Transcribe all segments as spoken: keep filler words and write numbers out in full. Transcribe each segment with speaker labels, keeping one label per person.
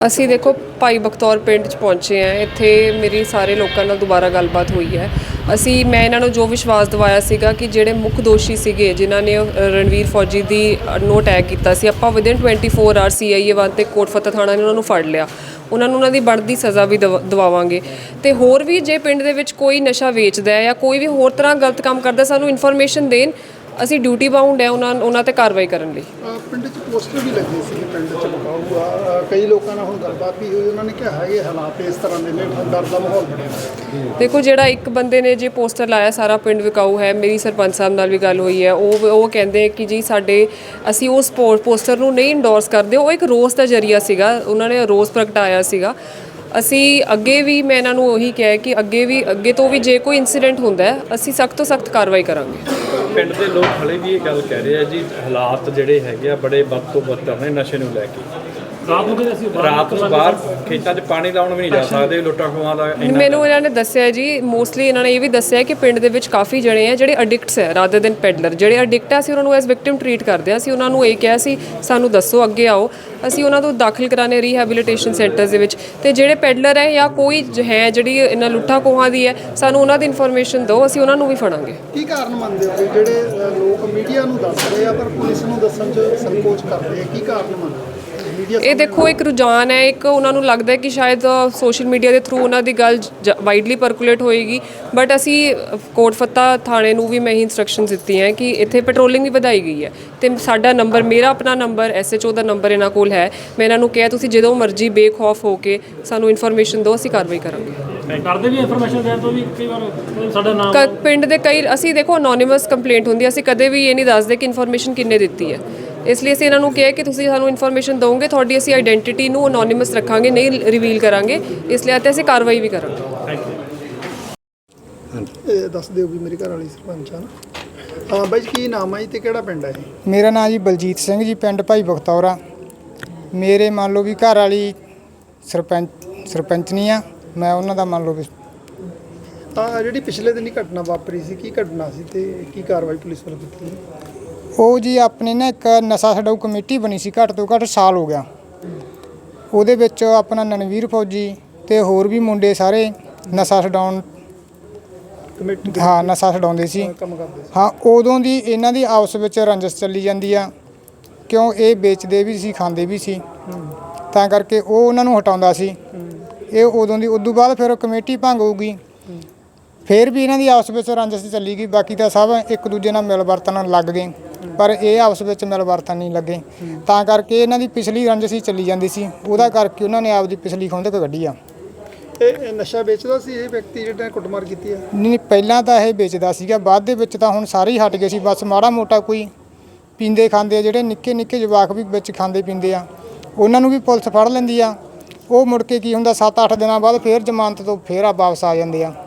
Speaker 1: ਅਸੀਂ ਦੇਖੋ ਭਾਈ ਬਖਤੌਰ ਪਿੰਡ 'ਚ ਪਹੁੰਚੇ ਹਾਂ। ਇੱਥੇ ਮੇਰੀ ਸਾਰੇ ਲੋਕਾਂ ਨਾਲ ਦੁਬਾਰਾ ਗੱਲਬਾਤ ਹੋਈ ਹੈ। ਅਸੀਂ ਮੈਂ ਇਹਨਾਂ ਨੂੰ ਜੋ ਵਿਸ਼ਵਾਸ ਦਿਵਾਇਆ ਸੀਗਾ ਕਿ ਜਿਹੜੇ ਮੁੱਖ ਦੋਸ਼ੀ ਸੀਗੇ ਜਿਨ੍ਹਾਂ ਨੇ ਰਣਵੀਰ ਫੌਜੀ ਦੀ ਨੂੰ ਅਟੈਕ ਕੀਤਾ ਸੀ, ਆਪਾਂ within twenty four R C I A one ਤੇ ਕੋਟ ਫਤਿਹ ਥਾਣਾ ਨੇ ਉਹਨਾਂ ਨੂੰ ਫੜ ਲਿਆ। ਉਹਨਾਂ ਨੂੰ ਉਹਨਾਂ ਦੀ ਬਣਦੀ ਸਜ਼ਾ ਵੀ ਦਵਾ ਦਿਵਾਵਾਂਗੇ। ਅਤੇ ਹੋਰ ਵੀ ਜੇ ਪਿੰਡ ਦੇ ਵਿੱਚ ਕੋਈ ਨਸ਼ਾ ਵੇਚਦਾ ਹੈ ਜਾਂ ਕੋਈ ਵੀ ਹੋਰ ਤਰ੍ਹਾਂ ਗਲਤ ਕੰਮ ਕਰਦਾ, ਸਾਨੂੰ ਇਨਫੋਰਮੇਸ਼ਨ ਦੇਣ। ਅਸੀਂ ਡਿਊਟੀ ਬਾਉਂਡ ਹੈ ਉਹਨਾਂ ਉਹਨਾਂ 'ਤੇ ਕਾਰਵਾਈ ਕਰਨ ਲਈ।
Speaker 2: ਪਿੰਡ 'ਚ ਪੋਸਟਰ ਵੀ ਲੱਗੇ ਸੀ ਪਿੰਡ 'ਚ ਬਕਾਊ ਆ, ਕਈ ਲੋਕਾਂ ਨਾਲ ਹੁਣ ਗੱਲਬਾਤ ਵੀ ਹੋਈ, ਉਹਨਾਂ ਨੇ ਕਿਹਾ ਹੈ ਇਹ ਹਾਲਾਤ ਇਸ ਤਰ੍ਹਾਂ ਦੇ ਨੇ, ਡਰ ਦਾ ਮਾਹੌਲ ਬਣਿਆ ਹੋਇਆ।
Speaker 1: ਦੇਖੋ ਜਿਹੜਾ ਇੱਕ ਬੰਦੇ ਨੇ ਜੇ ਪੋਸਟਰ ਲਾਇਆ ਸਾਰਾ ਪਿੰਡ ਵਿਕਾਊ ਹੈ, ਮੇਰੀ ਸਰਪੰਚ ਸਾਹਿਬ ਨਾਲ ਵੀ ਗੱਲ ਹੋਈ ਹੈ। ਉਹ ਉਹ ਕਹਿੰਦੇ ਕਿ ਜੀ ਸਾਡੇ ਅਸੀਂ ਉਸ ਪੋਸਟਰ ਨੂੰ ਨਹੀਂ ਇੰਡੋਰਸ ਕਰਦੇ। ਉਹ ਇੱਕ ਰੋਸ ਦਾ ਜ਼ਰੀਆ ਸੀਗਾ, ਉਹਨਾਂ ਨੇ ਰੋਸ ਪ੍ਰਗਟਾਇਆ ਸੀਗਾ। ਅਸੀਂ ਅੱਗੇ ਵੀ ਮੈਂ ਇਹਨਾਂ ਨੂੰ ਉਹੀ ਕਿਹਾ ਕਿ ਅੱਗੇ ਵੀ ਅੱਗੇ ਤੋਂ ਵੀ ਜੇ ਕੋਈ ਇੰਸੀਡੈਂਟ ਹੁੰਦਾ ਹੈ ਅਸੀਂ ਸਖਤ ਤੋਂ ਸਖਤ ਕਾਰਵਾਈ ਕਰਾਂਗੇ।
Speaker 3: ਪਿੰਡ ਦੇ ਲੋਕ ਹਲੇ ਵੀ ਇਹ ਗੱਲ ਕਹਿ ਰਹੇ ਆ ਜੀ, ਹਾਲਾਤ ਜਿਹੜੇ ਹੈਗੇ ਆ ਬੜੇ ਵੱਧ ਤੋਂ ਬੱਤਰ ਨੇ ਨਸ਼ੇ ਨੂੰ ਲੈ ਕੇ। ਰਾਤ ਨੂੰ ਅਸੀਂ ਰਾਤ ਨੂੰ ਬਾਹਰ ਖੇਤਾਂ 'ਚ ਪਾਣੀ ਲਾਉਣ ਵੀ ਨਹੀਂ ਜਾ ਸਕਦੇ, ਲੁੱਟਾਂ ਖੋਹਾਂ ਦਾ।
Speaker 1: ਮੈਨੂੰ ਇਹਨਾਂ ਨੇ ਦੱਸਿਆ ਜੀ, ਮੋਸਟਲੀ ਇਹਨਾਂ ਨੇ ਇਹ ਵੀ ਦੱਸਿਆ ਕਿ ਪਿੰਡ ਦੇ ਵਿੱਚ ਕਾਫੀ ਜਣੇ ਆ ਜਿਹੜੇ ਅਡਿਕਟਸ ਹੈ ਰਾਦਰ ਦੈਨ ਪੈਡਲਰ। ਜਿਹੜੇ ਅਡਿਕਟ ਆ ਅਸੀਂ ਉਹਨਾਂ ਨੂੰ ਐਜ਼ ਵਿਕਟਿਮ ਟਰੀਟ ਕਰਦੇ ਹਾਂ। ਅਸੀਂ ਉਹਨਾਂ ਨੂੰ ਇਹ ਕਿਹਾ ਸੀ ਸਾਨੂੰ ਦੱਸੋ, ਅੱਗੇ ਆਓ, ਅਸੀਂ ਉਹਨਾਂ ਨੂੰ ਦਾਖਲ ਕਰਾਣੇ ਰੀਹੈਬਿਲਿਟੇਸ਼ਨ ਸੈਂਟਰਸ ਦੇ ਵਿੱਚ। ਅਤੇ ਜਿਹੜੇ ਪੈਡਲਰ ਹੈ ਜਾਂ ਕੋਈ ਹੈ ਜਿਹੜੀ ਇਹਨਾਂ ਲੁੱਟਾਂ ਖੋਹਾਂ ਦੀ ਹੈ, ਸਾਨੂੰ ਉਹਨਾਂ ਦੀ ਇਨਫੋਰਮੇਸ਼ਨ ਦਿਓ, ਅਸੀਂ ਉਹਨਾਂ ਨੂੰ ਵੀ ਫੜਾਂਗੇ।
Speaker 2: ਕੀ ਕਾਰਨ ਮੰਨਦੇ ਹੋ ਕਿ ਜਿਹੜੇ ਲੋਕ ਮੀਡੀਆ ਨੂੰ ਦੱਸ ਰਹੇ ਆ ਪਰ ਪੁਲਿਸ ਨੂੰ ਦੱਸਣ 'ਚ ਸੰਕੋਚ ਕਰਦੇ ਆ, ਕੀ ਕਾਰਨ ਮੰਨਦੇ?
Speaker 1: ਇਹ ਦੇਖੋ ਇੱਕ ਰੁਝਾਨ ਹੈ, ਇੱਕ ਉਹਨਾਂ ਨੂੰ ਲੱਗਦਾ ਕਿ ਸ਼ਾਇਦ ਸੋਸ਼ਲ ਮੀਡੀਆ ਦੇ ਥਰੂ ਉਹਨਾਂ ਦੀ ਗੱਲ ਵਾਈਡਲੀ ਪਰਕੂਲੇਟ ਹੋਏਗੀ। ਬਟ ਅਸੀਂ ਕੋਟ ਫਤਿਹ ਥਾਣੇ ਨੂੰ ਵੀ ਮੈਂ ਹੀ ਇੰਸਟਰਕਸ਼ਨ ਦਿੱਤੀਆਂ ਹੈ ਕਿ ਇੱਥੇ ਪੈਟਰੋਲਿੰਗ ਵੀ ਵਧਾਈ ਗਈ ਹੈ। ਅਤੇ ਸਾਡਾ ਨੰਬਰ, ਮੇਰਾ ਆਪਣਾ ਨੰਬਰ, ਐਸ ਐਚ ਓ ਦਾ ਨੰਬਰ ਇਹਨਾਂ ਕੋਲ ਹੈ। ਮੈਂ ਇਹਨਾਂ ਨੂੰ ਕਿਹਾ ਤੁਸੀਂ ਜਦੋਂ ਮਰਜ਼ੀ ਬੇਖੌਫ ਹੋ ਕੇ ਸਾਨੂੰ ਇਨਫੋਰਮੇਸ਼ਨ ਦਿਓ, ਅਸੀਂ ਕਾਰਵਾਈ ਕਰਾਂਗੇ।
Speaker 4: ਕਰਦੇ ਵੀ ਇਨਫੋਰਮੇਸ਼ਨ ਦੇਣ ਤੋਂ ਵੀ ਕਈ ਵਾਰ ਸਾਡਾ ਨਾਮ
Speaker 1: ਪਿੰਡ ਦੇ ਕਈ ਅਸੀਂ ਦੇਖੋ ਅਨੋਨੀਮਸ ਕੰਪਲੇਂਟ ਹੁੰਦੀ ਹੈ, ਅਸੀਂ ਕਦੇ ਵੀ ਇਹ ਨਹੀਂ ਦੱਸਦੇ ਕਿ ਇਨਫੋਰਮੇਸ਼ਨ ਕਿੰਨੇ ਦਿੱਤੀ ਹੈ। ਇਸ ਲਈ ਅਸੀਂ ਇਹਨਾਂ ਨੂੰ ਕਿਹਾ ਕਿ ਤੁਸੀਂ ਸਾਨੂੰ ਇਨਫੋਰਮੇਸ਼ਨ ਦਿਓਗੇ, ਤੁਹਾਡੀ ਅਸੀਂ ਆਈਡੈਂਟੀਟੀ ਨੂੰ ਅਨੋਨੀਮਸ ਰੱਖਾਂਗੇ, ਨਹੀਂ ਰਿਵੀਲ ਕਰਾਂਗੇ। ਇਸ ਲਈ ਅਤੇ ਅਸੀਂ ਕਾਰਵਾਈ ਵੀ ਕਰਾਂਗੇ।
Speaker 4: Thank you.
Speaker 2: ਇਹ ਦੱਸ ਦਿਓ ਵੀ ਮੇਰੀ ਘਰ ਵਾਲੀ ਸਰਪੰਚ ਆ। ਹਾਂ ਬਾਈ, ਕੀ ਨਾਮ ਹੈ ਜੀ ਤੇ ਕਿਹੜਾ ਪਿੰਡ ਹੈ ਇਹ?
Speaker 5: ਮੇਰਾ ਨਾਮ ਜੀ ਬਲਜੀਤ ਸਿੰਘ ਜੀ, ਪਿੰਡ ਭਾਈ ਬਖਤੌਰ ਆ। ਮੇਰੇ ਮੰਨ ਲਓ ਵੀ ਘਰ ਵਾਲੀ ਸਰਪੰਚ ਸਰਪੰਚਨੀ ਆ, ਮੈਂ ਉਹਨਾਂ ਦਾ ਮੰਨ ਲਓ ਵੀ।
Speaker 2: ਤਾਂ ਜਿਹੜੀ ਪਿਛਲੇ ਦਿਨ ਹੀ ਘਟਨਾ ਵਾਪਰੀ ਸੀ, ਕੀ ਘਟਨਾ ਸੀ ਤੇ ਕੀ ਕਾਰਵਾਈ ਪੁਲਿਸ ਵੱਲੋਂ ਕੀਤੀ?
Speaker 5: ਉਹ ਜੀ ਆਪਣੇ ਨਾ ਇੱਕ ਨਸ਼ਾ ਛਡਾਊ ਕਮੇਟੀ ਬਣੀ ਸੀ, ਘੱਟ ਤੋਂ ਘੱਟ ਸਾਲ ਹੋ ਗਿਆ। ਉਹਦੇ ਵਿੱਚ ਆਪਣਾ ਰਣਵੀਰ ਫੌਜੀ ਅਤੇ ਹੋਰ ਵੀ ਮੁੰਡੇ ਸਾਰੇ ਨਸ਼ਾ ਛਡਾਉਣ
Speaker 2: ਕਮੇਟੀ
Speaker 5: ਹਾਂ ਨਸ਼ਾ ਛਡਾਉਂਦੇ ਸੀ।
Speaker 2: ਕੰਮ ਕਰਦੇ ਸੀ।
Speaker 5: ਹਾਂ, ਉਦੋਂ ਦੀ ਇਹਨਾਂ ਦੀ ਆਪਸ ਵਿੱਚ ਰੰਜਿਸ਼ ਚੱਲੀ ਜਾਂਦੀ ਆ, ਕਿਉਂ ਇਹ ਵੇਚਦੇ ਵੀ ਸੀ ਖਾਂਦੇ ਵੀ ਸੀ, ਤਾਂ ਕਰਕੇ ਉਹ ਉਹਨਾਂ ਨੂੰ ਹਟਾਉਂਦਾ ਸੀ। ਇਹ ਉਦੋਂ ਦੀ ਉਦੋਂ ਬਾਅਦ ਫਿਰ ਕਮੇਟੀ ਭੰਗ ਹੋਊਗੀ, ਫਿਰ ਵੀ ਇਹਨਾਂ ਦੀ ਆਪਸ ਵਿੱਚ ਰੰਜਿਸ਼ ਚੱਲੀ ਗਈ। ਬਾਕੀ ਤਾਂ ਸਭ ਇੱਕ ਦੂਜੇ ਨਾਲ ਮਿਲ ਵਰਤਣ ਲੱਗ ਗਏ, ਪਰ ਇਹ ਆਪਸ ਵਿੱਚ ਮਿਲ ਵਰਤਣ ਨਹੀਂ ਲੱਗੇ, ਤਾਂ ਕਰਕੇ ਇਹਨਾਂ ਦੀ ਪਿਛਲੀ ਰੰਜਿਸ਼ ਹੀ ਚੱਲੀ ਜਾਂਦੀ ਸੀ। ਉਹਦਾ ਕਰਕੇ ਉਹਨਾਂ ਨੇ ਆਪਦੀ ਪਿਛਲੀ ਖੁੰਦਕ ਕੱਢੀ ਆ।
Speaker 2: ਇਹ ਨਸ਼ਾ ਵੇਚਦਾ ਸੀ ਇਹ ਵਿਅਕਤੀ ਜਿਹੜਾ ਕੁੱਟਮਾਰ ਕੀਤੀ ਆ?
Speaker 5: ਨਹੀਂ, ਪਹਿਲਾਂ ਤਾਂ ਇਹ ਵੇਚਦਾ ਸੀਗਾ, ਬਾਅਦ ਦੇ ਵਿੱਚ ਤਾਂ ਹੁਣ ਸਾਰੇ ਹੀ ਹਟ ਗਏ ਸੀ। ਬਸ ਮਾੜਾ ਮੋਟਾ ਕੋਈ ਪੀਂਦੇ ਖਾਂਦੇ ਆ, ਜਿਹੜੇ ਨਿੱਕੇ ਨਿੱਕੇ ਜਵਾਕ ਵੀ ਵਿੱਚ ਖਾਂਦੇ ਪੀਂਦੇ ਆ, ਉਹਨਾਂ ਨੂੰ ਵੀ ਪੁਲਿਸ ਫੜ ਲੈਂਦੀ ਆ। ਉਹ ਮੁੜ ਕੇ ਕੀ ਹੁੰਦਾ, ਸੱਤ ਅੱਠ ਦਿਨਾਂ ਬਾਅਦ ਫਿਰ ਜ਼ਮਾਨਤ ਤੋਂ ਫਿਰ ਆ ਵਾਪਸ ਆ ਜਾਂਦੇ ਆ।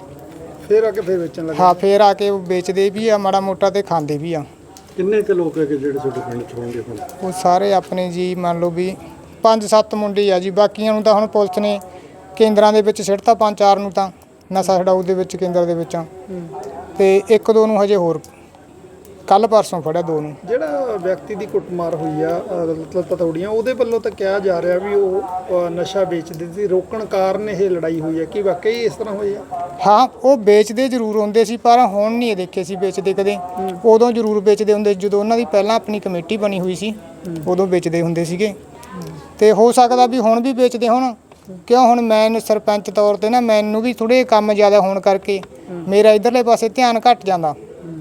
Speaker 2: ਫਿਰ ਆ ਕੇ ਫਿਰ ਵੇਚਣ ਲੱਗੇ?
Speaker 5: ਹਾਂ, ਫਿਰ ਆ ਕੇ ਉਹ ਵੇਚਦੇ ਵੀ ਆ ਮਾੜਾ ਮੋਟਾ ਤੇ ਖਾਂਦੇ ਵੀ ਆ।
Speaker 2: ਕਿੰਨੇ ਕੁ ਲੋਕ ਹੈ ਕਿ ਜਿਹੜੇ ਤੁਹਾਡੇ ਪਿੰਡ ਚ ਹੋਣਗੇ ਹੁਣ?
Speaker 5: ਉਹ ਸਾਰੇ ਆਪਣੇ ਜੀ ਮੰਨ ਲਓ ਵੀ ਪੰਜ ਸੱਤ ਮੁੰਡੇ ਆ ਜੀ। ਬਾਕੀਆਂ ਨੂੰ ਤਾਂ ਹੁਣ ਪੁਲਿਸ ਨੇ ਕੇਂਦਰਾਂ ਦੇ ਵਿੱਚ ਸਿੱਟਤਾ, ਪੰਜ ਚਾਰ ਨੂੰ ਤਾਂ ਨਸ਼ਾ ਛਡਾਊ ਦੇ ਵਿੱਚ ਕੇਂਦਰ ਦੇ ਵਿੱਚ, ਤੇ ਇੱਕ ਦੋ ਨੂੰ ਹਜੇ ਹੋਰ ਕੱਲ ਪਰਸੋਂ ਫੜਿਆ, ਦੋ ਨੂੰ।
Speaker 2: ਜਿਹੜਾ ਵਿਅਕਤੀ ਦੀ ਕੁੱਟਮਾਰ ਹੋਈ ਆ ਮਤਲਬ ਪਤੌੜੀਆਂ, ਉਹਦੇ ਵੱਲੋਂ ਤਾਂ ਕਿਹਾ ਜਾ ਰਿਹਾ ਵੀ ਉਹ ਨਸ਼ਾ ਵੇਚਦੇ ਸੀ, ਰੋਕਣ ਕਾਰਨ ਇਹ ਲੜਾਈ ਹੋਈ ਹੈ। ਕੀ ਵਾਕਈ ਇਸ ਤਰ੍ਹਾਂ ਹੋਈ ਆ?
Speaker 5: ਹਾਂ, ਉਹ ਵੇਚਦੇ ਜ਼ਰੂਰ ਹੁੰਦੇ ਸੀ, ਪਰ ਹੁਣ ਨਹੀਂ ਦੇਖੇ ਸੀ ਵੇਚਦੇ ਕਦੇ। ਉਦੋਂ ਜ਼ਰੂਰ ਵੇਚਦੇ ਹੁੰਦੇ ਜਦੋਂ ਉਹਨਾਂ ਦੀ ਪਹਿਲਾਂ ਆਪਣੀ ਕਮੇਟੀ ਬਣੀ ਹੋਈ ਸੀ, ਉਦੋਂ ਵੇਚਦੇ ਹੁੰਦੇ ਸੀਗੇ। ਤੇ ਹੋ ਸਕਦਾ ਵੀ ਹੁਣ ਵੀ ਵੇਚਦੇ ਹੋਣ, ਕਿਉਂ ਹੁਣ ਮੈਂ ਸਰਪੰਚ ਤੌਰ 'ਤੇ ਨਾ ਮੈਨੂੰ ਵੀ ਥੋੜ੍ਹੇ ਕੰਮ ਜ਼ਿਆਦਾ ਹੋਣ ਕਰਕੇ ਮੇਰਾ ਇੱਧਰਲੇ ਪਾਸੇ ਧਿਆਨ ਘੱਟ ਜਾਂਦਾ।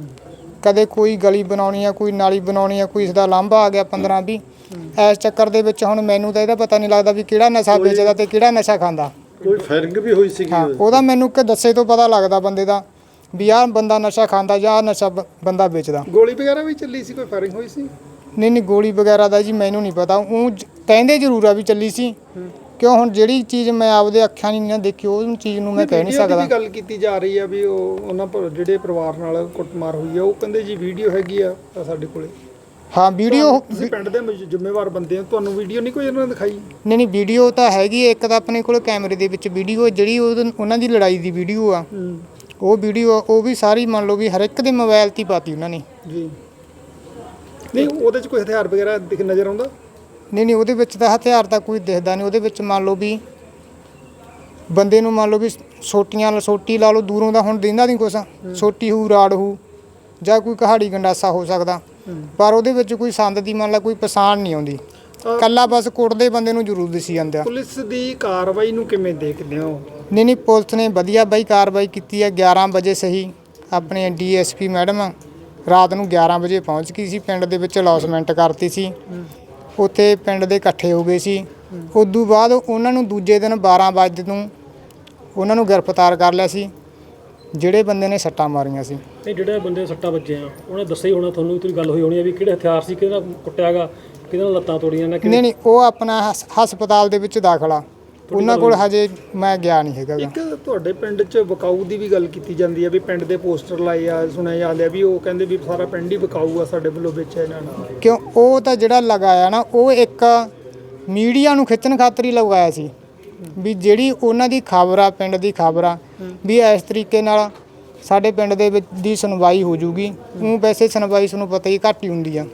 Speaker 5: ਕਦੇ ਕੋਈ ਗਲੀ ਬਣਾਉਣੀ ਆ, ਕੋਈ ਨਾਲੀ ਬਣਾਉਣੀ ਆ, ਕੋਈ ਇਸ ਦਾ ਲਾਂਭਾ ਆ ਗਿਆ ਪੰਦਰਾਂ ਵੀਹ, ਇਸ ਚੱਕਰ ਦੇ ਵਿੱਚ ਹੁਣ ਮੈਨੂੰ ਤਾਂ ਇਹਦਾ ਪਤਾ ਨਹੀਂ ਲੱਗਦਾ ਵੀ ਕਿਹੜਾ ਨਸ਼ਾ ਵੇਚਦਾ ਤੇ ਕਿਹੜਾ ਨਸ਼ਾ ਖਾਂਦਾ।
Speaker 2: ਕੋਈ ਫਾਇਰਿੰਗ ਵੀ ਹੋਈ ਸੀ?
Speaker 5: ਹਾਂ, ਉਹਦਾ ਮੈਨੂੰ ਕਿ ਦੱਸੇ ਤੋਂ ਪਤਾ ਲੱਗਦਾ ਬੰਦੇ ਦਾ ਵੀ ਆਹ ਬੰਦਾ ਨਸ਼ਾ ਖਾਂਦਾ ਜਾਂ ਆਹ ਨਸ਼ਾ ਬੰਦਾ ਵੇਚਦਾ।
Speaker 2: ਗੋਲੀ ਵਗੈਰਾ ਵੀ ਚੱਲੀ ਸੀ? ਕੋਈ ਫਾਇਰਿੰਗ ਹੋਈ ਸੀ?
Speaker 5: ਨਹੀਂ ਨਹੀਂ, ਗੋਲੀ ਵਗੈਰਾ ਦਾ ਜੀ ਮੈਨੂੰ ਨਹੀਂ ਪਤਾ। ਉਹ ਕਹਿੰਦੇ ਜ਼ਰੂਰ ਆ ਵੀ ਚੱਲੀ ਸੀ, ਕਿਉਂ ਹੁਣ ਜਿਹੜੀ ਚੀਜ਼ ਮੈਂ ਆਪਦੇ ਅੱਖਾਂ ਨਹੀਂ ਨਾ ਦੇਖੀ ਉਹ ਚੀਜ਼ ਨੂੰ ਮੈਂ ਕਹਿ ਨਹੀਂ ਸਕਦਾ।
Speaker 2: ਗੱਲ ਕੀਤੀ ਜਾ ਰਹੀ ਆ ਵੀ ਉਹ ਉਹਨਾਂ ਜਿਹੜੇ ਪਰਿਵਾਰ ਨਾਲ ਕੁੱਟਮਾਰ ਹੋਈ ਆ, ਉਹ ਕਹਿੰਦੇ ਜੀ ਵੀਡੀਓ ਹੈਗੀ ਆ ਸਾਡੇ ਕੋਲੇ।
Speaker 5: ਹਾਂ, ਵੀਡੀਓ
Speaker 2: ਤੁਸੀਂ ਪਿੰਡ ਦੇ ਜ਼ਿੰਮੇਵਾਰ ਬੰਦੇ ਹੋ, ਤੁਹਾਨੂੰ ਵੀਡੀਓ ਨਹੀਂ ਕੋਈ ਇਹਨਾਂ ਨੇ ਦਿਖਾਈ?
Speaker 5: ਨਹੀਂ ਨਹੀਂ, ਵੀਡੀਓ ਤਾਂ ਹੈਗੀ। ਇੱਕ ਤਾਂ ਆਪਣੇ ਕੋਲ ਕੈਮਰੇ ਦੇ ਵਿੱਚ ਵੀਡੀਓ ਜਿਹੜੀ ਉਹਨਾਂ ਦੀ ਲੜਾਈ ਦੀ ਵੀਡੀਓ ਆ, ਉਹ ਵੀਡੀਓ ਉਹ ਵੀ ਸਾਰੀ ਮੰਨ ਲਓ ਵੀ ਹਰ ਇੱਕ ਦੇ ਮੋਬਾਈਲ 'ਤੇ ਹੀ ਪਾਤੀ ਉਹਨਾਂ ਨੇ ਜੀ।
Speaker 2: ਨਹੀਂ, ਉਹਦੇ 'ਚ ਕੋਈ ਹਥਿਆਰ ਵਗੈਰਾ ਦਿਖ ਨਜ਼ਰ ਆਉਂਦਾ?
Speaker 5: ਨਹੀਂ ਨਹੀਂ ਉਹਦੇ ਵਿੱਚ ਤਾਂ ਹਥਿਆਰ ਤਾਂ ਕੋਈ ਦਿਖਦਾ ਨਹੀਂ। ਉਹਦੇ ਵਿੱਚ ਮੰਨ ਲਓ ਵੀ ਬੰਦੇ ਨੂੰ ਮੰਨ ਲਓ ਵੀ ਸੋਟੀਆਂ ਸੋਟੀ ਲਾ ਲਓ ਦੂਰੋਂ ਦਾ ਹੁਣ ਦਿੰਦਾ ਨਹੀਂ ਕੁਛ, ਸੋਟੀ ਹੋਊ ਰਾੜ ਹੋਊ ਜਾਂ ਕੋਈ ਕਹਾੜੀ ਗੰਡਾਸਾ ਹੋ ਸਕਦਾ, ਪਰ ਉਹਦੇ ਵਿੱਚ ਕੋਈ ਸੰਦ ਦੀ ਮੰਨ ਲਾ ਕੋਈ ਪਛਾਣ ਨਹੀਂ ਆਉਂਦੀ। ਕੱਲਾ ਬਸ ਕੁੱਟਦੇ ਬੰਦੇ ਨੂੰ ਜ਼ਰੂਰ ਦਿਸੀ ਜਾਂਦਾ।
Speaker 2: ਪੁਲਿਸ ਦੀ ਕਾਰਵਾਈ ਨੂੰ ਕਿਵੇਂ ਦੇਖਦੇ ਹੋ?
Speaker 5: ਨਹੀਂ ਨਹੀਂ ਪੁਲਿਸ ਨੇ ਵਧੀਆ ਬਾਈ ਕਾਰਵਾਈ ਕੀਤੀ ਹੈ। ਗਿਆਰਾਂ ਵਜੇ ਸਹੀ ਆਪਣੇ ਡੀ ਐਸ ਪੀ ਮੈਡਮ ਰਾਤ ਨੂੰ ਗਿਆਰਾਂ ਵਜੇ ਪਹੁੰਚ ਗਈ ਸੀ ਪਿੰਡ ਦੇ ਵਿੱਚ, ਅਲੌਸਮੈਂਟ ਕਰਤੀ ਸੀ। ਉੱਥੇ ਪਿੰਡ ਦੇ ਇਕੱਠੇ ਹੋ ਗਏ ਸੀ। ਉਦੋਂ ਬਾਅਦ ਉਹਨਾਂ ਨੂੰ ਦੂਜੇ ਦਿਨ ਬਾਰਾਂ ਵਜੇ ਨੂੰ ਉਹਨਾਂ ਨੂੰ ਗ੍ਰਿਫਤਾਰ ਕਰ ਲਿਆ ਸੀ ਜਿਹੜੇ ਬੰਦੇ ਨੇ ਸੱਟਾਂ ਮਾਰੀਆਂ ਸੀ।
Speaker 4: ਇਹ ਜਿਹੜੇ ਬੰਦੇ ਸੱਟਾਂ ਵੱਜੇ ਆ ਉਹਨੇ ਦੱਸਿਆ ਹੀ ਹੋਣਾ ਤੁਹਾਨੂੰ, ਤੁਸੀਂ ਗੱਲ ਹੋਈ ਹੋਣੀ ਆ ਵੀ ਕਿਹੜੇ ਹਥਿਆਰ ਸੀ, ਕਿਹਦੇ ਨਾਲ ਕੁੱਟਿਆ ਗਾ, ਕਿਹਦੇ ਨਾਲ ਲੱਤਾਂ ਤੋੜੀਆਂ ਨੇ?
Speaker 5: ਨਹੀਂ ਨਹੀਂ ਉਹ ਆਪਣਾ ਹਸ- ਹਸਪਤਾਲ ਦੇ ਵਿੱਚ ਦਾਖਲਾ, ਉਹਨਾਂ ਕੋਲ ਹਜੇ ਮੈਂ ਗਿਆ ਨਹੀਂ ਹੈਗਾ ਗਾ।
Speaker 2: ਇੱਕ ਤੁਹਾਡੇ ਪਿੰਡ 'ਚ ਵਿਕਾਊ ਦੀ ਵੀ ਗੱਲ ਕੀਤੀ ਜਾਂਦੀ ਹੈ ਵੀ ਪਿੰਡ ਦੇ ਪੋਸਟਰ ਲਾਏ ਆ, ਸੁਣਿਆ ਜਾ ਲਿਆ ਵੀ ਉਹ ਕਹਿੰਦੇ ਵੀ ਸਾਰਾ ਪਿੰਡ ਹੀ ਵਿਕਾਊ ਆ ਸਾਡੇ ਵੱਲੋਂ ਵੇਚਿਆ ਇਹਨਾਂ ਨੂੰ।
Speaker 5: ਕਿਉਂ ਉਹ ਤਾਂ ਜਿਹੜਾ ਲਗਾਇਆ ਨਾ ਉਹ ਇੱਕ ਮੀਡੀਆ ਨੂੰ ਖਿੱਚਣ ਖਾਤਰ ਹੀ ਲਗਾਇਆ ਸੀ ਵੀ ਜਿਹੜੀ ਉਹਨਾਂ ਦੀ ਖਬਰ ਆ, ਪਿੰਡ ਦੀ ਖਬਰ ਆ ਵੀ ਇਸ ਤਰੀਕੇ ਨਾਲ ਸਾਡੇ ਪਿੰਡ ਦੇ ਵਿੱਚ ਦੀ ਸੁਣਵਾਈ ਹੋ ਜੂਗੀ। ਉਹ ਵੈਸੇ ਸੁਣਵਾਈ ਤੁਹਾਨੂੰ ਪਤਾ ਹੀ ਘੱਟ ਹੀ ਹੁੰਦੀ ਆ।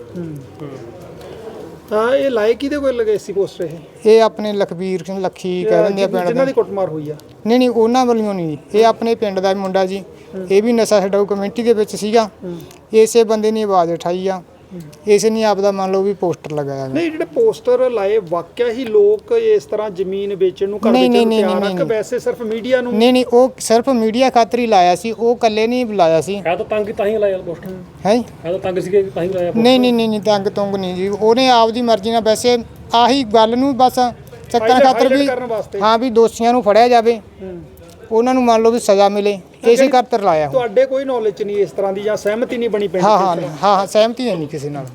Speaker 2: ਤਾਂ ਇਹ ਲਾਏ ਕਿਹਦੇ ਕੋਲ ਲਗੇ ਸੀ ਪੋਸਟਰ? ਇਹ
Speaker 5: ਇਹ ਆਪਣੇ ਲਖਬੀਰ ਸਿੰਘ ਲੱਖੀ ਕਹਿ ਦਿੰਦੇ ਆ ਪਿੰਡ
Speaker 2: ਜਿਨ੍ਹਾਂ
Speaker 5: ਦੇ।
Speaker 2: ਦੀ ਕੁੱਟਮਾਰ ਹੋਈ ਆ?
Speaker 5: ਨਹੀਂ ਨਹੀਂ ਉਹਨਾਂ ਵੱਲੋਂ ਨਹੀਂ, ਇਹ ਆਪਣੇ ਪਿੰਡ ਦਾ ਮੁੰਡਾ ਜੀ। ਇਹ ਵੀ ਨਸ਼ਾ ਛਡਾਊ ਕਮੇਟੀ ਦੇ ਵਿੱਚ ਸੀਗਾ। ਇਸੇ ਬੰਦੇ ਨੇ ਆਵਾਜ਼ ਉਠਾਈ ਆ, ਇਸੇ ਨੇ ਆਪਦਾ ਮੰਨ ਲਓ ਵੀ ਪੋਸਟਰ ਲਗਾਇਆ।
Speaker 2: ਨਹੀਂ ਜਿਹੜੇ ਪੋਸਟਰ ਲਾਏ ਵਾਕਿਆ ਹੀ ਲੋਕ ਇਸ ਤਰ੍ਹਾਂ ਜ਼ਮੀਨ ਵੇਚਣ ਨੂੰ ਕਰ
Speaker 5: ਨਹੀਂ,
Speaker 2: ਵੇਚਣ ਨੂੰ
Speaker 5: ਨਹੀਂ,
Speaker 2: ਤਿਆਰ ਆ
Speaker 5: ਨਹੀਂ,
Speaker 2: ਕਿ ਵੈਸੇ ਸਿਰਫ ਮੀਡੀਆ ਨੂੰ?
Speaker 5: ਨਹੀਂ ਨਹੀਂ ਉਹ ਸਿਰਫ ਮੀਡੀਆ ਖਾਤਰ ਹੀ ਲਾਇਆ ਸੀ, ਉਹ ਇਕੱਲੇ ਨਹੀਂ ਲਾਇਆ ਸੀ।
Speaker 4: ਹੈ ਤਾਂ ਤੰਗ ਤਾਂ ਹੀ ਲਾਇਆ ਪੋਸਟਰ,
Speaker 5: ਹੈ
Speaker 4: ਹੈ ਤਾਂ ਤੰਗ ਸੀਗੇ ਤਾਂ ਹੀ ਲਾਇਆ poster।
Speaker 5: ਨਹੀਂ ਨਹੀਂ ਨਹੀਂ ਨਹੀਂ ਤੰਗ ਤੁੰਗ ਨਹੀਂ ਜੀ, ਉਹਨੇ ਆਪਦੀ ਮਰਜ਼ੀ ਨਾਲ ਵੈਸੇ ਆਹੀ ਗੱਲ ਨੂੰ ਬਸ ਚੱਕਣ
Speaker 2: Highlight-
Speaker 5: ਖਾਤਰ ਵੀ
Speaker 2: highlight ਕਰਨ ਵਾਸਤੇ।
Speaker 5: ਹਾਂ ਵੀ ਦੋਸ਼ੀਆਂ ਨੂੰ ਫੜਿਆ ਜਾਵੇ, ਉਹਨਾਂ ਨੂੰ ਮੰਨ ਲਓ ਵੀ ਸਜ਼ਾ ਮਿਲੇ, ਇਸੇ ਖਾਤਰ ਲਾਇਆ।
Speaker 2: ਤੁਹਾਡੇ ਕੋਈ ਨੌਲੇਜ 'ਚ ਨਹੀਂ ਇਸ ਤਰ੍ਹਾਂ ਦੀ ਜਾਂ ਸਹਿਮਤੀ ਨਹੀਂ ਬਣੀ ਪਿੰਡ 'ਚ?
Speaker 5: ਹਾਂ ਹਾਂ ਹਾਂ ਹਾਂ ਸਹਿਮਤੀ ਹੈ ਨਹੀਂ ਕਿਸੇ ਨਾਲ।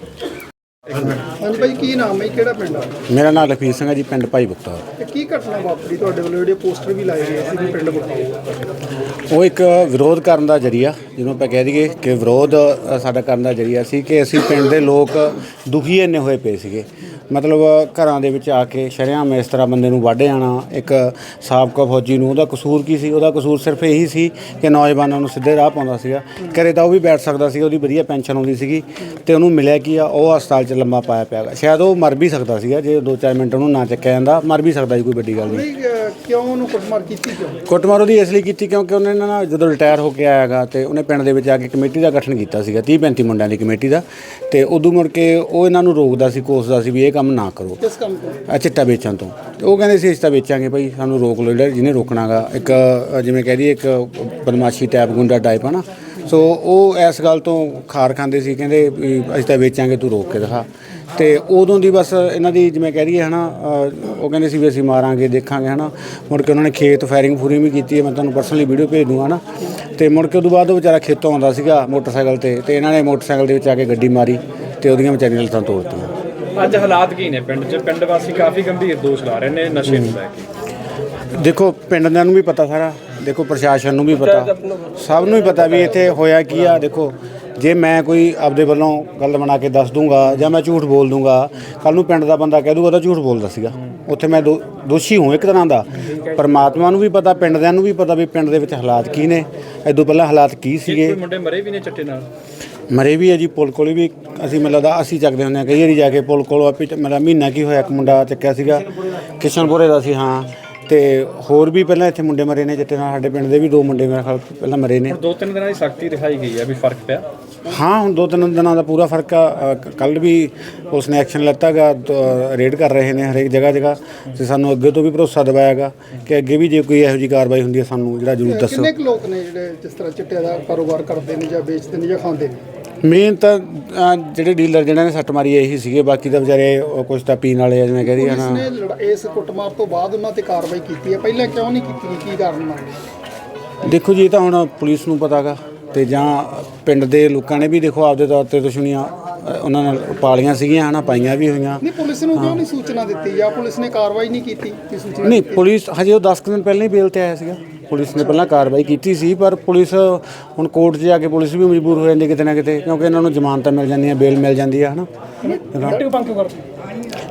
Speaker 2: ਹਾਂਜੀ ਭਾਈ ਕੀ ਨਾਮ ਹੈ, ਕਿਹੜਾ ਪਿੰਡ ਆ?
Speaker 6: ਮੇਰਾ ਨਾਮ ਲਖਵੀਰ ਸਿੰਘ ਹੈ ਜੀ, ਪਿੰਡ ਭਾਈ ਬੁਖਤਾ।
Speaker 2: ਤੇ ਕੀ ਘਟਨਾ ਵਾਪਰੀ ਤੁਹਾਡੇ ਵੱਲੋਂ ਜਿਹੜੇ ਪੋਸਟਰ ਵੀ ਲਾਏ ਗਏ ਸੀ ਵੀ ਪਿੰਡ ਵਿਕਾਊ?
Speaker 6: ਉਹ ਇੱਕ ਵਿਰੋਧ ਕਰਨ ਦਾ ਜਰੀਆ, ਜਿਹਨੂੰ ਆਪਾਂ ਕਹਿ ਦਈਏ ਕਿ ਵਿਰੋਧ ਅ, ਸਾਡਾ ਕਰਨ ਦਾ ਜਰੀਆ ਸੀ ਕਿ ਅਸੀਂ ਪਿੰਡ ਦੇ ਲੋਕ ਦੁਖੀ ਇੰਨੇ ਹੋਏ ਪਏ ਸੀਗੇ। ਮਤਲਬ ਘਰਾਂ ਦੇ ਵਿੱਚ ਆ ਕੇ ਸ਼ਰੇਆਮ ਇਸ ਤਰ੍ਹਾਂ ਬੰਦੇ ਨੂੰ ਵੱਢ ਜਾਣਾ। ਇੱਕ ਸਾਬਕਾ ਫੌਜੀ ਨੂੰ ਉਹਦਾ ਕਸੂਰ ਕੀ ਸੀ? ਉਹਦਾ ਕਸੂਰ ਸਿਰਫ ਇਹੀ ਸੀ ਕਿ ਨੌਜਵਾਨਾਂ ਨੂੰ ਸਿੱਧੇ ਰਾਹ ਪਾਉਂਦਾ ਸੀਗਾ। ਘਰੇ ਤਾਂ ਉਹ ਵੀ ਬੈਠ ਸਕਦਾ ਸੀ, ਉਹਦੀ ਵਧੀਆ ਪੈਨਸ਼ਨ ਆਉਂਦੀ ਸੀਗੀ, ਤੇ ਉਹਨੂੰ ਮਿਲਿਆ ਕੀ ਆ, ਉਹ ਹਸਪਤਾਲ 'ਚ ਲੰਮਾ ਪਾਇਆ ਪਿਆ ਗਾ। ਸ਼ਾਇਦ ਉਹ ਮਰ ਵੀ ਸਕਦਾ ਸੀਗਾ ਜੇ ਦੋ ਚਾਰ ਮਿੰਟ ਉਹਨੂੰ ਨਾ ਚੱਕਿਆ ਜਾਂਦਾ, ਮਰ ਵੀ ਸਕਦਾ ਸੀ, ਕੋਈ ਵੱਡੀ ਗੱਲ ਨਹੀਂ।
Speaker 2: ਨਹੀਂ ਅਹ, ਕਿਉਂ ਉਹਨੂੰ ਕੁੱਟਮਾਰ ਕੀਤੀ ਕਿਉਂ?
Speaker 6: ਕੁੱਟਮਾਰ ਉਹਦੀ ਇਸ ਲਈ ਕੀਤੀ ਕਿਉਂਕਿ ਉਹਨੇ ਨਾ ਜਦੋਂ ਰਿਟਾਇਰ ਹੋ ਕੇ ਆਇਆ ਗਾ ਤੇ ਉਹਨੇ ਪਿੰਡ ਦੇ ਵਿੱਚ ਆ ਕੇ ਕਮੇਟੀ ਦਾ ਗਠਨ ਕੀਤਾ ਸੀਗਾ, ਤੀਹ ਪੈਂਤੀ ਮੁੰਡਿਆਂ ਦੀ ਕਮੇਟੀ ਦਾ, ਤੇ ਉਦੋਂ ਮੁੜ ਕੇ ਉਹ ਇਹਨਾਂ ਨੂੰ ਰੋਕਦਾ ਸੀ, ਕੋਸਦਾ ਸੀ ਵੀ ਇਹ ਕੰਮ ਨਾ ਕਰੋ,
Speaker 2: ਕਿਸ ਕੰਮ ਤੋਂ?
Speaker 6: ਆ ਚਿੱਟਾ ਵੇਚਣ ਤੋਂ। ਤੇ ਉਹ ਕਹਿੰਦੇ ਸੀ ਅਸੀਂ ਤਾਂ ਵੇਚਾਂਗੇ ਭਾਈ, ਸਾਨੂੰ ਰੋਕ ਲਓ, ਜਿਹੜਾ ਜਿਹਨੇ ਰੋਕਣਾ ਗਾ। ਇੱਕ ਅ, ਜਿਵੇਂ ਕਹਿ ਦਈਏ ਇੱਕ ਬਦਮਾਸ਼ੀ ਟਾਈਪ, ਗੁੰਡਾ ਟਾਈਪ ਹੈ ਨਾ। ਸੋ ਉਹ ਇਸ ਗੱਲ ਤੋਂ ਖਾਰ ਖਾਂਦੇ ਸੀ, ਕਹਿੰਦੇ ਵੀ ਅਸੀਂ ਤਾਂ ਵੇਚਾਂਗੇ, ਤੂੰ ਰੋਕ ਕੇ ਦਿਖਾ। ਤੇ ਉਦੋਂ ਦੀ ਬਸ ਇਹਨਾਂ ਦੀ ਜਿਵੇਂ ਕਹਿ ਦਈਏ ਹੈ ਨਾ, ਉਹ ਕਹਿੰਦੇ ਸੀ ਵੀ ਅਸੀਂ ਮਾਰਾਂਗੇ, ਦੇਖਾਂਗੇ ਹੈ ਨਾ। ਮੁੜ ਕੇ ਉਹਨਾਂ ਨੇ ਖੇਤ ਫਾਇਰਿੰਗ ਫੂਰਿੰਗ ਵੀ ਕੀਤੀ ਹੈ, ਮੈਂ ਤੁਹਾਨੂੰ ਪਰਸਨਲੀ ਵੀਡੀਓ ਭੇਜ ਦੂੰਗਾ ਨਾ। ਤੇ ਮੁੜ ਕੇ ਉਦੋਂ ਬਾਅਦ ਉਹ ਵਿਚਾਰਾ ਖੇਤੋਂ ਆਉਂਦਾ ਸੀਗਾ ਮੋਟਰਸਾਈਕਲ 'ਤੇ, ਤੇ ਇਹਨਾਂ ਨੇ ਮੋਟਰਸਾਈਕਲ ਦੇ ਵਿੱਚ ਆ ਕੇ ਗੱਡੀ ਮਾਰੀ ਤੇ ਉਹਦੀਆਂ ਵਿਚਾਰੀਆਂ ਲੱਤਾਂ ਤੋੜਤੀਆਂ।
Speaker 3: ਅੱਜ ਹਾਲਾਤ ਕੀ ਨੇ ਪਿੰਡ 'ਚ? ਪਿੰਡ ਵਾਸੀ ਕਾਫੀ ਗੰਭੀਰ ਦੋਸ਼ ਲਾ ਰਹੇ ਨੇ ਨਸ਼ੇ ਨੂੰ ਲੈ ਕੇ।
Speaker 6: ਦੇਖੋ ਪਿੰਡ ਦਿਆਂ ਨੂੰ ਵੀ ਪਤਾ ਸਾਰਾ, ਦੇਖੋ ਪ੍ਰਸ਼ਾਸਨ ਨੂੰ ਵੀ ਪਤਾ, ਸਭ ਨੂੰ ਹੀ ਪਤਾ ਵੀ ਇੱਥੇ ਹੋਇਆ ਕੀ ਆ। ਦੇਖੋ ਜੇ ਮੈਂ ਕੋਈ ਆਪਦੇ ਵੱਲੋਂ ਗੱਲ ਬਣਾ ਕੇ ਦੱਸ ਦੂੰਗਾ ਜਾਂ ਮੈਂ ਝੂਠ ਬੋਲ ਦੂੰਗਾ, ਕੱਲ ਨੂੰ ਪਿੰਡ ਦਾ ਬੰਦਾ ਕਹਿ ਦੂਗਾ ਤਾਂ ਝੂਠ ਬੋਲਦਾ ਸੀਗਾ। ਉੱਥੇ ਮੈਂ ਦੋ ਦੋਸ਼ੀ ਹੂੰ ਇੱਕ ਤਰ੍ਹਾਂ ਦਾ। ਪਰਮਾਤਮਾ ਨੂੰ ਵੀ ਪਤਾ, ਪਿੰਡ ਦਿਆਂ ਨੂੰ ਵੀ ਪਤਾ ਵੀ ਪਿੰਡ ਦੇ ਵਿੱਚ ਹਾਲਾਤ ਕੀ ਨੇ, ਇਦੋਂ ਪਹਿਲਾਂ ਹਾਲਾਤ ਕੀ ਸੀਗੇ।
Speaker 3: ਕੋਈ ਮੁੰਡੇ ਮਰੇ ਵੀ ਨੇ ਚਿੱਟੇ ਨਾਲ?
Speaker 6: ਮਰੇ ਵੀ ਹੈ ਜੀ, ਪੁਲ ਕੋਲ ਵੀ ਅਸੀਂ ਮੈਨੂੰ ਲੱਗਦਾ ਅਸੀਂ ਚੱਕਦੇ ਹੁੰਦੇ ਹਾਂ ਕਈ ਵਾਰੀ ਜਾ ਕੇ ਪੁਲ ਕੋਲ। ਆਪੀ ਮੇਰਾ ਮਹੀਨਾ ਕੀ ਹੋਇਆ, ਇੱਕ ਮੁੰਡਾ ਚੱਕਿਆ ਸੀਗਾ, ਕਿਸ਼ਨਪੁਰੇ ਦਾ ਸੀ। ਹਾਂ, ਤੇ ਹੋਰ ਵੀ ਪਹਿਲਾਂ ਇੱਥੇ ਮੁੰਡੇ ਮਰੇ ਨੇ ਚਿੱਟੇ ਨਾਲ, ਸਾਡੇ ਪਿੰਡ ਦੇ ਵੀ ਦੋ ਮੁੰਡੇ ਮੇਰੇ ਖਿਆਲ ਪਹਿਲਾਂ ਮਰੇ ਨੇ।
Speaker 3: ਦੋ ਤਿੰਨ ਦਿਨਾਂ ਦੀ ਸਖਤੀ ਦਿਖਾਈ ਗਈ ਹੈ, ਵੀ ਫਰਕ ਪਿਆ?
Speaker 6: ਹਾਂ, ਹੁਣ ਦੋ ਤਿੰਨ ਦਿਨਾਂ ਦਾ ਪੂਰਾ ਫਰਕ ਆ। ਕੱਲ੍ਹ ਵੀ ਉਸ ਨੇ ਐਕਸ਼ਨ ਲੈਤਾ ਗਾ, ਰੇਡ ਕਰ ਰਹੇ ਨੇ ਹਰੇਕ ਜਗ੍ਹਾ ਜਗ੍ਹਾ, ਤੇ ਸਾਨੂੰ ਅੱਗੇ ਤੋਂ ਵੀ ਭਰੋਸਾ ਦਿਵਾਇਆ ਗਾ ਕਿ ਅੱਗੇ ਵੀ ਜੇ ਕੋਈ ਇਹੋ ਜਿਹੀ ਕਾਰਵਾਈ ਹੁੰਦੀ ਹੈ ਸਾਨੂੰ ਜਿਹੜਾ ਜ਼ਰੂਰ ਦੱਸੋ।
Speaker 2: ਕਿੰਨੇ ਕੁ ਲੋਕ ਨੇ ਜਿਹੜੇ ਜਿਸ ਤਰ੍ਹਾਂ ਚਿੱਟੇ ਦਾ ਕਾਰੋਬਾਰ ਕਰਦੇ ਨੇ ਜਾਂ ਵੇਚਦੇ ਨੇ ਜਾਂ ਖਾਂਦੇ ਨੇ?
Speaker 6: ਮੇਨ ਤਾਂ ਅ, ਜਿਹੜੇ ਡੀਲਰ ਜਿਹਨਾਂ ਨੇ ਸੱਟ ਮਾਰੀ ਇਹੀ ਸੀਗੇ, ਬਾਕੀ ਤਾਂ ਵਿਚਾਰੇ ਉਹ ਕੁਛ ਤਾਂ ਪੀਣ ਵਾਲੇ ਆ, ਜਿਵੇਂ ਕਹਿ ਰਹੀ ਹੈ
Speaker 2: ਪੁਲਿਸ
Speaker 6: ਨਾ।
Speaker 2: ਨੇ ਲੜਾ- ਇਸ ਕੁੱਟਮਾਰ ਤੋਂ ਬਾਅਦ ਉਹਨਾਂ ਤੇ ਕਾਰਵਾਈ ਕੀਤੀ ਹੈ, ਪਹਿਲਾਂ ਕਿਉਂ ਨਹੀਂ ਕੀਤੀ? ਕੀ ਕਾਰਨ ਮੰਨਦੇ?
Speaker 6: ਦੇਖੋ ਜੀ, ਇਹ ਤਾਂ ਹੁਣ ਪੁਲਿਸ ਨੂੰ ਪਤਾ ਗਾ, ਤੇ ਜਾਂ ਪਿੰਡ ਦੇ ਲੋਕਾਂ ਨੇ ਵੀ ਦੇਖੋ ਆਪਦੇ ਤੌਰ ਤੇ ਦੁਸ਼ਮਣੀਆਂ ਅ, ਉਹਨਾਂ ਨਾਲ ਪਾਲੀਆਂ ਸੀਗੀਆਂ ਹਨਾ, ਪਾਈਆਂ ਵੀ ਹੋਈਆਂ।
Speaker 2: ਨਹੀਂ ਪੁਲਿਸ ਨੂੰ ਕਿਉਂ ਨਹੀਂ ਸੂਚਨਾ ਦਿੱਤੀ ਜਾਂ ਪੁਲਿਸ ਨੇ ਕਾਰਵਾਈ ਨਹੀਂ ਕੀਤੀ? ਕੀ ਸੂਚਨਾ
Speaker 6: ਨਹੀਂ, ਪੁਲਿਸ ਹਜੇ ਉਹ ਦਸ ਕੁ ਦਿਨ ਪਹਿਲਾਂ ਹੀ ਬੇਲ ਤੇ ਆਇਆ ਸੀਗਾ। ਪੁਲਿਸ ਨੇ ਪਹਿਲਾਂ ਕਾਰਵਾਈ ਕੀਤੀ ਸੀ, ਪਰ ਪੁਲਿਸ ਹੁਣ ਕੋਰਟ 'ਚ ਜਾ ਕੇ ਪੁਲਿਸ ਵੀ ਮਜਬੂਰ ਹੋ ਜਾਂਦੀ ਕਿਤੇ ਨਾ ਕਿਤੇ, ਕਿਉਂਕਿ ਇਹਨਾਂ ਨੂੰ ਜ਼ਮਾਨਤਾਂ ਮਿਲ ਜਾਂਦੀਆਂ, ਬੇਲ ਮਿਲ ਜਾਂਦੀ ਆ ਹਨਾ।
Speaker 4: ਐਕਟਿਵ ਬੰਦ ਕਿਉਂ ਕਰਦੇ?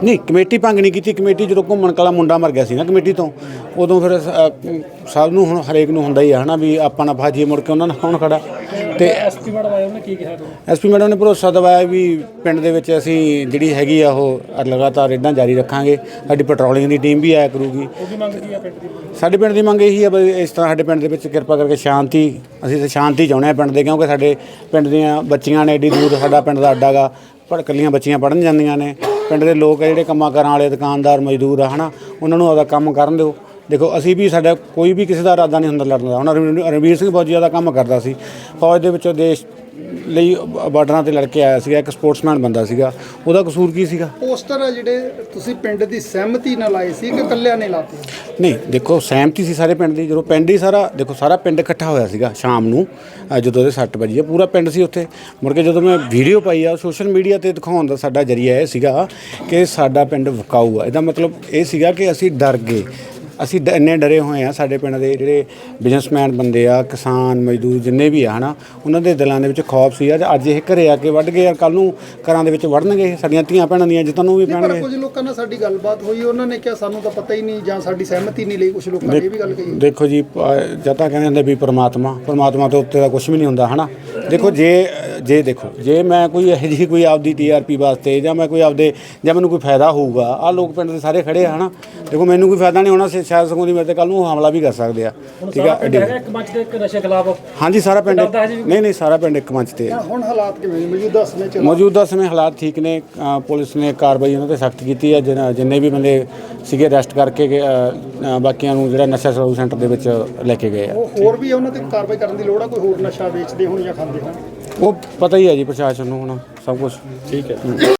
Speaker 6: ਨਹੀਂ ਕਮੇਟੀ ਭੰਗ ਨਹੀਂ ਕੀਤੀ। ਕਮੇਟੀ ਜਦੋਂ ਘੁੰਮਣ ਕਲਾ ਮੁੰਡਾ ਮਰ ਗਿਆ ਸੀ ਨਾ ਕਮੇਟੀ ਤੋਂ, ਉਦੋਂ ਫਿਰ ਅ, ਸਭ ਨੂੰ ਹੁਣ ਹਰੇਕ ਨੂੰ ਹੁੰਦਾ ਹੀ ਆ ਹੈ ਨਾ ਵੀ ਆਪਾਂ ਨਾ ਫਾਜੀਏ ਮੁੜ ਕੇ ਉਹਨਾਂ ਨਾਲ ਕੌਣ ਖੜਾ। ਤੇ
Speaker 4: ਐਸਪੀ ਮੈਡਮ ਆਏ ਉਹਨੇ ਕੀ ਕਿਹਾ ਤੁਹਾਨੂੰ?
Speaker 6: ਐਸਪੀ ਮੈਡਮ ਨੇ ਭਰੋਸਾ ਦਿਵਾਇਆ ਵੀ ਪਿੰਡ ਦੇ ਵਿੱਚ ਅਸੀਂ ਜਿਹੜੀ ਹੈਗੀ ਆ ਉਹ ਲਗਾਤਾਰ ਰੇਡਾਂ ਜਾਰੀ ਰੱਖਾਂਗੇ। ਸਾਡੀ ਪੈਟਰੋਲਿੰਗ ਦੀ ਟੀਮ ਵੀ ਆਇਆ ਕਰੂਗੀ।
Speaker 4: ਉਹਦੀ ਮੰਗ ਕੀ ਆ ਪਿੰਡ ਦੀ?
Speaker 6: ਸਾਡੇ ਪਿੰਡ ਦੀ ਮੰਗ ਇਹੀ ਆ ਵੀ ਇਸ ਤਰ੍ਹਾਂ ਸਾਡੇ ਪਿੰਡ ਦੇ ਵਿੱਚ ਕਿਰਪਾ ਕਰਕੇ ਸ਼ਾਂਤੀ, ਅਸੀਂ ਤਾਂ ਸ਼ਾਂਤੀ ਚਾਹੁੰਦੇ ਹਾਂ ਪਿੰਡ ਦੇ, ਕਿਉਂਕਿ ਸਾਡੇ ਪਿੰਡ ਦੀਆਂ ਬੱਚੀਆਂ ਨੇ ਐਡੀ ਦੂਰ, ਸਾਡਾ ਪਿੰਡ ਦਾ ਅੱਡਾ ਗਾ, ਪਰ ਇਕੱਲੀਆਂ ਬੱਚੀਆਂ ਪੜ੍ਹਨ ਜਾਂਦੀਆਂ ਨੇ। ਪਿੰਡ ਦੇ ਲੋਕ ਆ ਜਿਹੜੇ ਕੰਮਾਂ ਕਾਰਾਂ ਵਾਲੇ, ਦੁਕਾਨਦਾਰ, ਮਜ਼ਦੂਰ ਆ ਹੈ ਨਾ, ਉਹਨਾਂ ਨੂੰ ਆਪਦਾ ਕੰਮ ਕਰਨ ਦਿਓ। ਦੇਖੋ ਅਸੀਂ ਵੀ, ਸਾਡਾ ਕੋਈ ਵੀ ਕਿਸੇ ਦਾ ਇਰਾਦਾ ਨਹੀਂ ਹੁੰਦਾ ਲੜਨ ਦਾ। ਹੁਣ ਰਣਵੀਰ ਰਣਵੀਰ ਸਿੰਘ ਫੌਜੀ ਦਾ ਕੰਮ ਕਰਦਾ ਸੀ ਫੌਜ ਦੇ ਵਿੱਚੋਂ, ਦੇਸ਼ ਲਈ ਬਾਰਡਰਾਂ ਤੇ ਲੜ ਕੇ ਆਇਆ ਸੀਗਾ, ਇੱਕ ਸਪੋਰਟਸਮੈਨ ਬੰਦਾ ਸੀਗਾ, ਉਹਦਾ ਕਸੂਰ ਕੀ ਸੀਗਾ?
Speaker 2: ਪੋਸਟਰ ਆ ਜਿਹੜੇ ਤੁਸੀਂ ਪਿੰਡ ਦੀ ਸਹਿਮਤੀ ਨਾਲ ਲਾਏ ਸੀ ਕਿ ਇਕੱਲਿਆਂ ਨੇ ਲਾਤੇ?
Speaker 6: ਨਹੀਂ ਦੇਖੋ ਸਹਿਮਤੀ ਸੀ ਸਾਰੇ ਪਿੰਡ ਦੀ। ਜਦੋਂ ਪਿੰਡ ਹੀ ਸਾਰਾ, ਦੇਖੋ ਸਾਰਾ ਪਿੰਡ ਇਕੱਠਾ ਹੋਇਆ ਸੀਗਾ ਸ਼ਾਮ ਨੂੰ ਅ, ਜਦੋਂ ਉਹਦੇ ਸੱਟ ਵੱਜੀ ਆ, ਪੂਰਾ ਪਿੰਡ ਸੀ ਉੱਥੇ। ਮੁੜ ਕੇ ਜਦੋਂ ਮੈਂ ਵੀਡੀਓ ਪਾਈ ਆ ਸੋਸ਼ਲ ਮੀਡੀਆ ਤੇ ਦਿਖਾਉਣ ਦਾ ਸਾਡਾ ਜਰੀਆ ਇਹ ਸੀਗਾ ਕਿ ਸਾਡਾ ਪਿੰਡ ਵਿਕਾਊ ਆ। ਇਹਦਾ ਮਤਲਬ ਇਹ ਸੀਗਾ ਕਿ ਅਸੀਂ ਡਰ ਗਏ, ਅਸੀਂ ਡ ਇੰਨੇ ਡਰੇ ਹੋਏ ਆ। ਸਾਡੇ ਪਿੰਡ ਦੇ ਜਿਹੜੇ ਬਿਜ਼ਨਸਮੈਨ ਬੰਦੇ ਆ, ਕਿਸਾਨ, ਮਜ਼ਦੂਰ ਜਿੰਨੇ ਵੀ ਆ ਹੈ ਨਾ, ਉਹਨਾਂ ਦੇ ਦਿਲਾਂ ਦੇ ਵਿੱਚ ਖੌਫ ਸੀ। ਅੱਜ ਇਹ ਘਰੇ ਆ ਕੇ ਵੱਢ ਗਏ ਯਾਰ, ਕੱਲ੍ਹ ਨੂੰ ਘਰਾਂ ਦੇ ਵਿੱਚ ਵੜਨਗੇ, ਸਾਡੀਆਂ ਧੀਆਂ ਭੈਣਾਂ ਦੀਆਂ ਇੱਜ਼ਤਾਂ ਨੂੰ ਵੀ
Speaker 2: ਪਰ
Speaker 6: ਪੈਣਗੇ।
Speaker 2: ਕੁਝ ਲੋਕਾਂ ਨਾਲ ਸਾਡੀ ਗੱਲਬਾਤ ਹੋਈ, ਉਹਨਾਂ ਨੇ ਕਿਹਾ ਸਾਨੂੰ ਤਾਂ ਪਤਾ ਹੀ ਨਹੀਂ ਜਾਂ ਸਾਡੀ ਸਹਿਮਤੀ ਨਹੀਂ ਲਈ। ਕੁਝ ਲੋਕਾਂ ਨੇ ਇਹ ਵੀ ਗੱਲ ਕਹੀ।
Speaker 6: ਦੇਖੋ ਜੀ, ਜਦ ਤਾਂ ਕਹਿੰਦੇ ਹੁੰਦੇ ਵੀ ਪਰਮਾਤਮਾ ਪਰਮਾਤਮਾ ਤੋਂ ਉੱਤੇ ਦਾ ਕੁਝ ਵੀ ਨਹੀਂ ਹੁੰਦਾ ਹੈ ਨਾ। ਦੇਖੋ ਜੇ ਜੇ ਦੇਖੋ ਜੇ ਮੈਂ ਕੋਈ ਇਹੋ ਜਿਹੀ ਕੋਈ ਆਪਦੀ ਟੀ ਆਰ ਪੀ ਵਾਸਤੇ ਜਾਂ ਮੈਂ ਕੋਈ ਆਪਦੇ ਜਾਂ ਮੈਨੂੰ ਕੋਈ ਫਾਇਦਾ ਹੋਊਗਾ, ਆਹ ਲੋਕ ਪਿੰਡ ਦੇ ਸਾਰੇ ਖੜੇ ਆ ਹੈ ਨਾ, ਦੇਖੋ ਮੈਨੂੰ ਕੋਈ ਫਾਇਦਾ ਨਹੀਂ ਹੋਣਾ, ਸ਼ਾਇਦ ਸਗੋਂ ਦੀ ਮੇਰੇ ਤੇ ਕੱਲ੍ਹ ਨੂੰ ਹਮਲਾ ਵੀ ਕਰ ਸਕਦੇ ਆ। ਠੀਕ ਆ,
Speaker 4: ਹੈਗਾ ਇੱਕ ਮੰਚ ਤੇ ਇੱਕ ਨਸ਼ੇ ਖਿਲਾਫ?
Speaker 6: ਹਾਂਜੀ ਸਾਰਾ ਪਿੰਡ, ਨਹੀਂ ਨਹੀਂ ਸਾਰਾ ਪਿੰਡ ਇੱਕ ਮੰਚ ਤੇ।
Speaker 2: ਹੁਣ ਹਾਲਾਤ ਕਿਵੇਂ ਨੇ ਮੌਜੂਦਾ ਸਮੇਂ 'ਚ?
Speaker 6: ਮੌਜੂਦਾ ਸਮੇਂ ਹਾਲਾਤ ਠੀਕ ਨੇ। ਅ, ਪੁਲਿਸ ਨੇ ਕਾਰਵਾਈ ਉਹਨਾਂ ਤੇ ਸਖਤ ਕੀਤੀ ਹੈ। ਜਿਨ- ਜਿੰਨੇ ਵੀ ਬੰਦੇ ਸੀਗੇ ਅਰੈਸਟ ਕਰਕੇ ਅ, ਅ, ਬਾਕੀਆਂ ਨੂੰ ਜਿਹੜਾ ਨਸ਼ਾ ਛੁਡਾਊ ਸੈਂਟਰ ਦੇ ਵਿੱਚ ਲੈ ਕੇ ਗਏ ਆ।
Speaker 2: ਉਹ ਹੋਰ ਵੀ ਉਹਨਾਂ ਤੇ ਕਾਰਵਾਈ ਕਰਨ ਦੀ ਲੋੜ ਆ? ਕੋਈ ਹੋਰ ਨਸ਼ਾ ਵੇਚਦੇ ਹੋਣ ਜਾਂ ਖਾਂਦੇ ਹੋਣ?
Speaker 6: ਉਹ ਪਤਾ ਹੀ ਹੈ ਜੀ ਪ੍ਰਸ਼ਾਸਨ ਨੂੰ ਹੁਣ ਸਭ ਕੁਝ।
Speaker 3: ਠੀਕ ਹੈ।